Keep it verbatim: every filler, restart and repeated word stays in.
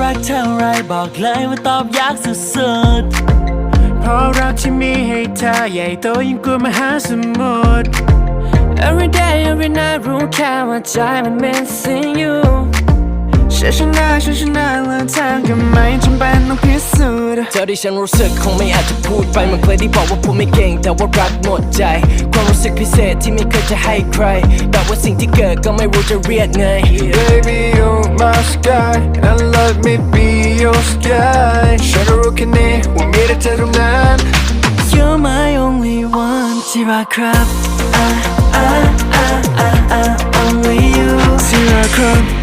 รักเท่าไรบอกเลยว่าตอบยากสุดๆเพราะรักที่มีให้เธอใหญ่โตยิ่งกว่ามหาสมุทร Every day every night รู้แค่ว่าใจมัน missing you ฉันชนะฉันชนะแล้วเธอก็ไม่จำเป็นต้องพิสูจน์เธอที่ฉันรู้สึกคงไม่อาจจะพูดไปมันเคยได้บอกว่าพูดไม่เก่งแต่ว่ารักหมดใจความรู้สึกพิเศษที่ไม่เคยจะให้ใครแบบว่าสิ่งที่เกิดก็ไม่รู้จะเรียกไง Baby you're my sky and let me be your sky ฉันรู้แค่นี้ว่ามีแต่เธอเท่านั้น You're my only one ที่รักครับ ah, ah, ah, ah, ah, only you ที่รักครับ